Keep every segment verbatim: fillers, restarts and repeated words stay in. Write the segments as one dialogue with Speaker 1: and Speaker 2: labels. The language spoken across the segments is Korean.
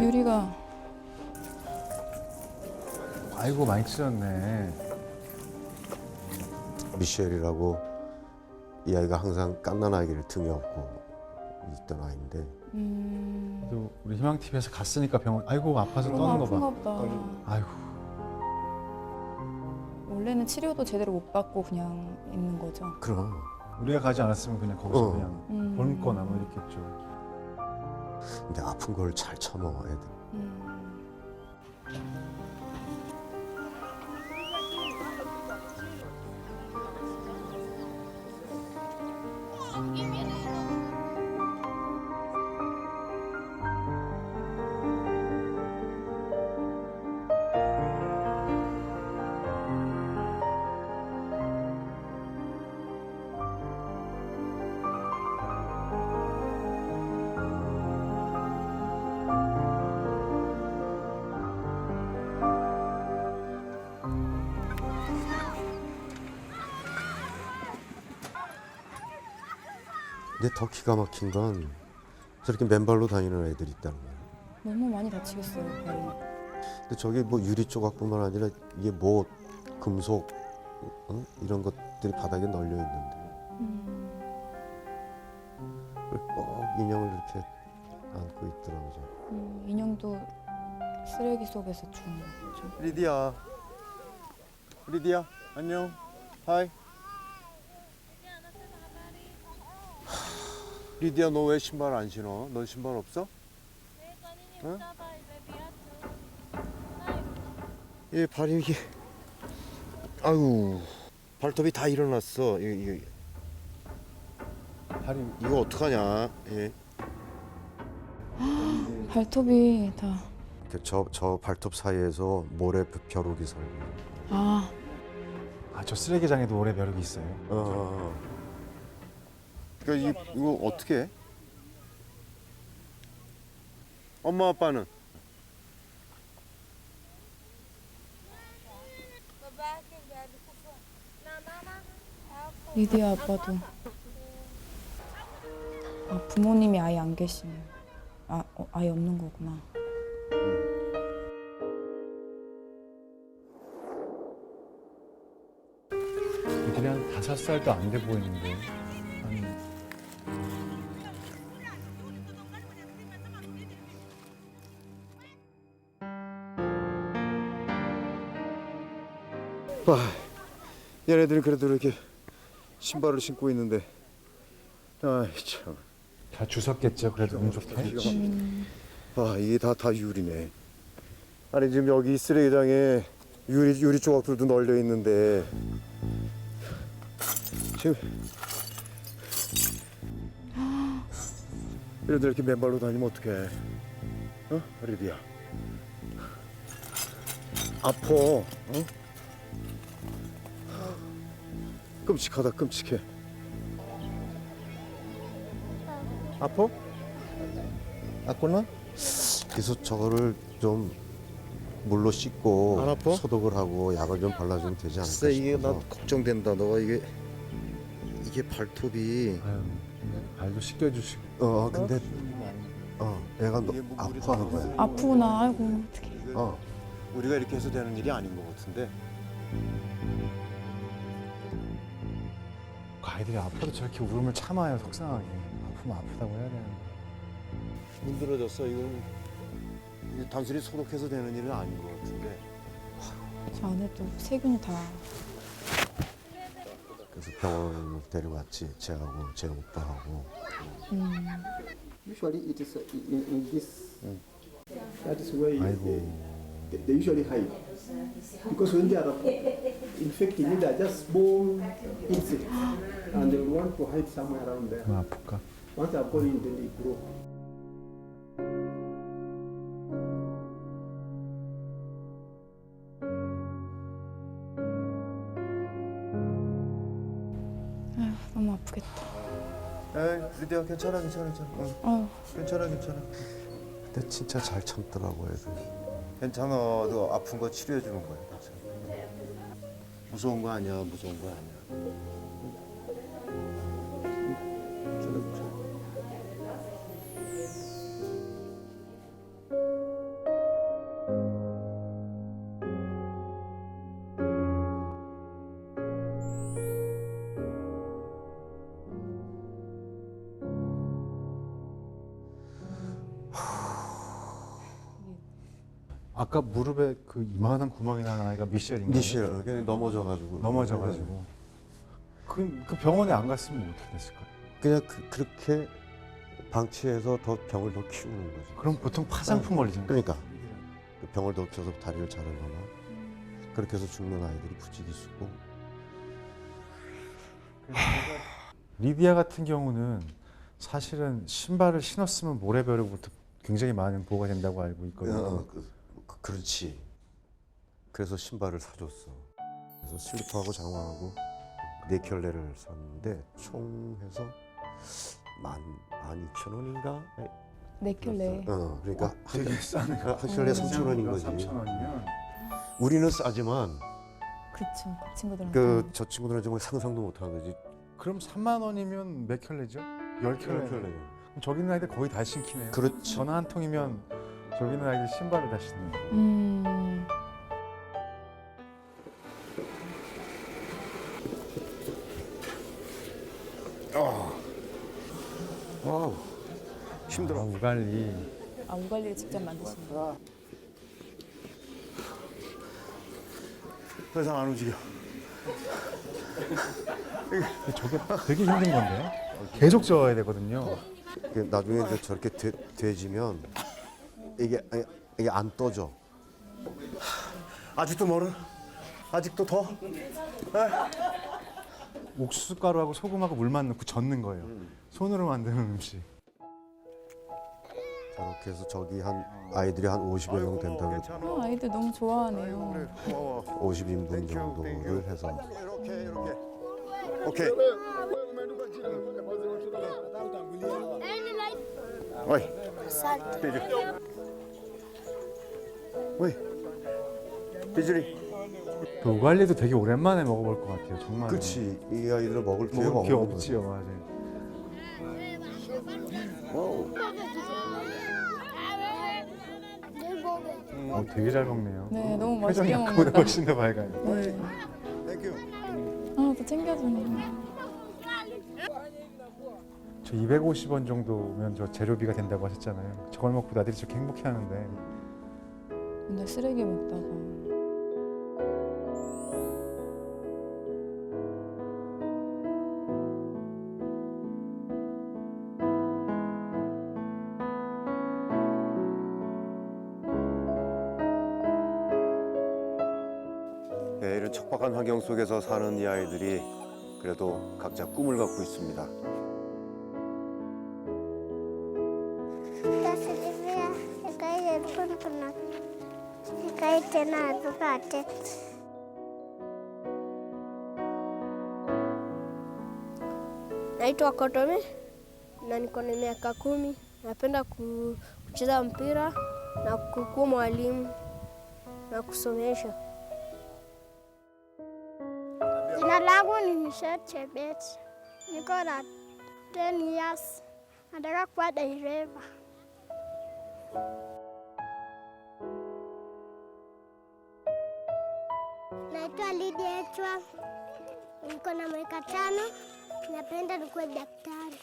Speaker 1: 유리가.
Speaker 2: 아이고 많이 찢었네.
Speaker 3: 미셸이라고 이 아이가 항상 갓난아기를 등에 업고 있던 아이인데
Speaker 1: 음.
Speaker 2: 그래도 우리 희망티비에서 갔으니까 병원. 아이고 아파서 떠는 거 봐.
Speaker 1: 아픈가 보다.
Speaker 2: 아이고.
Speaker 1: 원래는 치료도 제대로 못 받고 그냥 있는 거죠.
Speaker 3: 그럼
Speaker 2: 우리가 가지 않았으면 그냥 거기서
Speaker 3: 어.
Speaker 2: 그냥
Speaker 1: 음.
Speaker 2: 굶거나 뭐 이랬겠죠.
Speaker 3: 근데 아픈 걸 잘 참어 애들.
Speaker 1: 음.
Speaker 3: 근데 더 기가 막힌 건 저렇게 맨발로 다니는 애들이 있다는 거야.
Speaker 1: 너무 많이 다치겠어요, 발이.
Speaker 3: 근데 저게 뭐 유리 조각뿐만 아니라 이게 뭐 금속 응? 이런 것들이 바닥에 널려 있는데
Speaker 1: 음.
Speaker 3: 그걸 꼭 인형을 이렇게 안고 있더라고. 저.
Speaker 1: 음, 인형도 쓰레기 속에서 준 거죠.
Speaker 4: 리디야. 리디야, 안녕. 하이. 리디야, 너 왜 신발 안 신어? 넌 신발 없어? 응? 얘 발이 이게, 아유, 발톱이 다 일어났어. 이거, 이거,
Speaker 2: 발이
Speaker 4: 이거 어떡하냐? 예.
Speaker 1: 발톱이 다.
Speaker 3: 저, 저 발톱 사이에서 모래 벼룩이 살고.
Speaker 1: 아,
Speaker 2: 아 저 쓰레기장에도 오래 벼룩이 있어요.
Speaker 4: 어, 어, 어. 그러니까 이, 이거 어떻게 해? 엄마 아빠는?
Speaker 1: 리디아 아빠도. 아, 부모님이 아예 안 계시네요. 아, 어, 아예 없는 거구나.
Speaker 2: 애들이 한 다섯 살도 안 돼 보이는데. 아니,
Speaker 4: 와, 얘네들은 그래도 이렇게 신발을 신고 있는데, 아이 참,
Speaker 2: 다 주웠겠죠. 그래도 운 좋게.
Speaker 1: 음.
Speaker 4: 아 이게 다 다 유리네. 아니 지금 여기 쓰레기장에 유리 유리 조각들도 널려 있는데 지금 얘네들 이렇게 맨발로 다니면 어떡해? 어, 리디야? 아파, 어? 끔찍하다, 끔찍해. 아파? 아팠나?
Speaker 3: 그래서 저거를 좀 물로 씻고
Speaker 4: 안 아파?
Speaker 3: 소독을 하고 약을 좀 발라주면 되지 않을까
Speaker 4: 글쎄 이게 나
Speaker 3: 싶어서.
Speaker 4: 걱정된다. 너가 이게 이게 발톱이
Speaker 2: 아유, 발도 씻겨주시고.
Speaker 3: 어 근데 어 애가 너,
Speaker 4: 이게 뭐 물이
Speaker 3: 아파하는
Speaker 4: 다
Speaker 3: 거야.
Speaker 1: 아프구나. 아이고, 어떡해.
Speaker 3: 어
Speaker 4: 우리가 이렇게 해서 되는 일이 아닌 것 같은데.
Speaker 2: 그 아이들이 아파도 저렇게 울음을 참아요. 속상하게. 아프면 아프다고 해야 되는데.
Speaker 4: 문드러졌어. 이건 이게 단순히 소독해서 되는 일은 아닌 것 같은데.
Speaker 1: 저 안에도 세균이 다.
Speaker 3: 그래서 병원을 데려갔지. 쟤하고 쟤 오빠하고.
Speaker 1: 음.
Speaker 5: Usually it is uh, in, in this. That is where
Speaker 3: 아이고.
Speaker 5: they, they usually hide. Because when they are infected, they are just small insects, and they want to hide somewhere around there.
Speaker 2: 그만 아플까?
Speaker 5: Once they are gone in, then they grow.
Speaker 1: 아휴, 너무 아프겠다.
Speaker 4: 에이, 리디야 괜찮아, 괜찮아, 괜찮아. 응,
Speaker 1: 아휴.
Speaker 4: 괜찮아, 괜찮아.
Speaker 3: 근데 진짜 잘 참더라고 애들.
Speaker 4: 괜찮아. 너 아픈 거 치료해 주는 거야. 괜찮아. 무서운 거 아니야, 무서운 거 아니야. 괜찮아, 괜찮아.
Speaker 2: 아까 무릎에 그 이만한 구멍이 난 아이가 미셸인가요?
Speaker 3: 미셸 그냥 넘어져가지고
Speaker 2: 넘어져가지고. 그, 그 병원에 안 갔으면 어떻게 됐을까요?
Speaker 3: 그냥 그, 그렇게 방치해서 더 병을 더 키우는 거지.
Speaker 2: 그럼 보통 파상풍 걸리잖아요.
Speaker 3: 그러니까 그 병을 더 키워서 다리를 자르거나 그렇게 해서 죽는 아이들이 부지기수고.
Speaker 2: 리디아 같은 경우는 사실은 신발을 신었으면 모래벼룩부터 굉장히 많은 보호가 된다고 알고 있거든요.
Speaker 3: 어, 그, 그, 그렇지. 그래서 신발을 사줬어. 그래서 슬리퍼하고 장화하고 네 켤레를 샀는데 총 해서 만, 만 이천 원인가?
Speaker 1: 네 켤레.
Speaker 3: 어, 그러니까 한,
Speaker 2: 되게 싸네.
Speaker 3: 한 켤레 삼천 원인 거지.
Speaker 2: 삼천 원이면
Speaker 3: 우리는 싸지만
Speaker 1: 그쵸. 그 친구들한테.
Speaker 3: 그 저 친구들은 정말 상상도 못하는 거지.
Speaker 2: 그럼 삼만 원이면 몇 켤레죠? 열 켤레. 그럼 저기 있는 아이들 거의 다 신기네요.
Speaker 3: 그렇지.
Speaker 2: 전화 한 통이면 저기 있는 아이들 신발을 다 신는 거예요.
Speaker 1: 음.
Speaker 3: 와우. 힘들어.
Speaker 2: 아, 우갈리.
Speaker 1: 아 우갈리를 직접 만드시는 거.
Speaker 4: 더 이상 안 움직여.
Speaker 2: 저게 되게 힘든 건데요. 계속 저어야 되거든요.
Speaker 3: 이게 나중에 이제 저렇게 돼, 돼지면 이게 이게 안 떠져.
Speaker 4: 아직도 멀어? 아직도 더?
Speaker 2: 옥수수 가루하고 소금하고 물만 넣고 젓는 거예요. 손으로 만드는 음식.
Speaker 3: 저렇게 해서 저기 한 아이들이 한 오십여 명 된다고
Speaker 1: 어, 아이들 너무 좋아하네요.
Speaker 4: 고마워.
Speaker 3: 오십 인분 정도를 해서
Speaker 4: 이렇게 이렇게. 오케이. 어이. 비주. 어이. 비주리.
Speaker 2: 그 우갈리도 되게 오랜만에 먹어볼 것 같아요. 정말.
Speaker 3: 그렇지. 이 아이들 먹을 기회가
Speaker 2: 먹을 기회
Speaker 3: 없는
Speaker 2: 없지요, 맞아요.
Speaker 3: 와우.
Speaker 2: 어, 되게 잘 먹네요.
Speaker 1: 네, 너무
Speaker 2: 표정이
Speaker 1: 맛있게
Speaker 2: 아까보다
Speaker 1: 먹는다.
Speaker 2: 훨씬 더 밝아요.
Speaker 1: 네.
Speaker 4: 땡큐.
Speaker 1: 아, 또 챙겨주네.
Speaker 2: 저 이백오십 원 정도면 저 재료비가 된다고 하셨잖아요. 저걸 먹고 나들이 저렇게 행복해하는데
Speaker 1: 근데 쓰레기 먹다가.
Speaker 4: 네, 이런 척박한 환경 속에서 사는 이 아이들이 그래도 각자 꿈을 갖고 있습니다.
Speaker 6: Tässä vielä, joka ei ole punpuna, joka ei enää tukate.
Speaker 7: Naitwa Kotome na niko na miaka kumi. Napenda ku- kucheza mpira na kukuwa mwalimu na kusomesha.
Speaker 6: Jina langu ni Michelle Chebet. Niko na ten years. Nataka kuwa dereva. Naitwa Lydia Echwa. Niko na miaka tano. Napenda nikuwe daktari.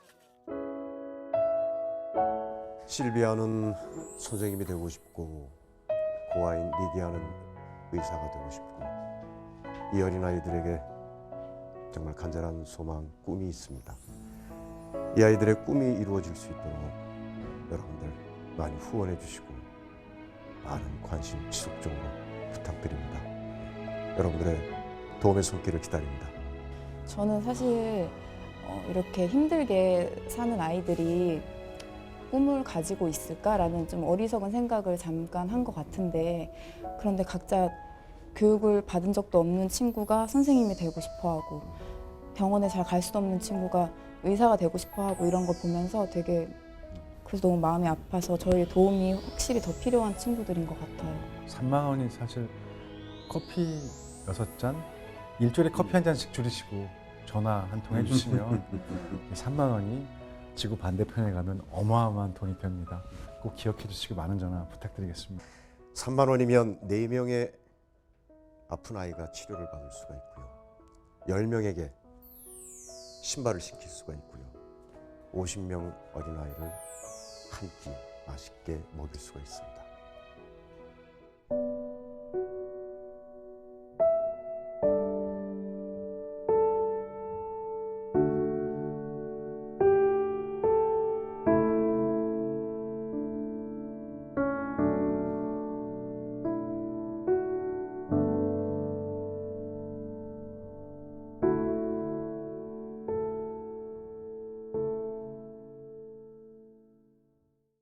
Speaker 3: 실비아는 선생님이 되고 싶고 고아인 리디아는 의사가 되고 싶고 이 어린 아이들에게 정말 간절한 소망, 꿈이 있습니다. 이 아이들의 꿈이 이루어질 수 있도록 여러분들 많이 후원해 주시고 많은 관심 지속적으로 부탁드립니다. 여러분들의 도움의 손길을 기다립니다.
Speaker 1: 저는 사실 어, 이렇게 힘들게 사는 아이들이 꿈을 가지고 있을까라는 좀 어리석은 생각을 잠깐 한 것 같은데, 그런데 각자 교육을 받은 적도 없는 친구가 선생님이 되고 싶어하고 병원에 잘 갈 수 없는 친구가 의사가 되고 싶어하고 이런 걸 보면서 되게 그래서 너무 마음이 아파서 저희 도움이 확실히 더 필요한 친구들인 것 같아요.
Speaker 2: 삼만 원이 사실 커피 여섯 잔, 일주일에 커피 한 잔씩 줄이시고 전화 한 통 해주시면 삼만 원이 지구 반대편에 가면 어마어마한 돈이 됩니다. 꼭 기억해 주시고 많은 전화 부탁드리겠습니다.
Speaker 3: 삼만 원이면 네 명의 아픈 아이가 치료를 받을 수가 있고요. 열 명에게 신발을 신길 수가 있고요. 오십 명 어린아이를 한 끼 맛있게 먹일 수가 있습니다.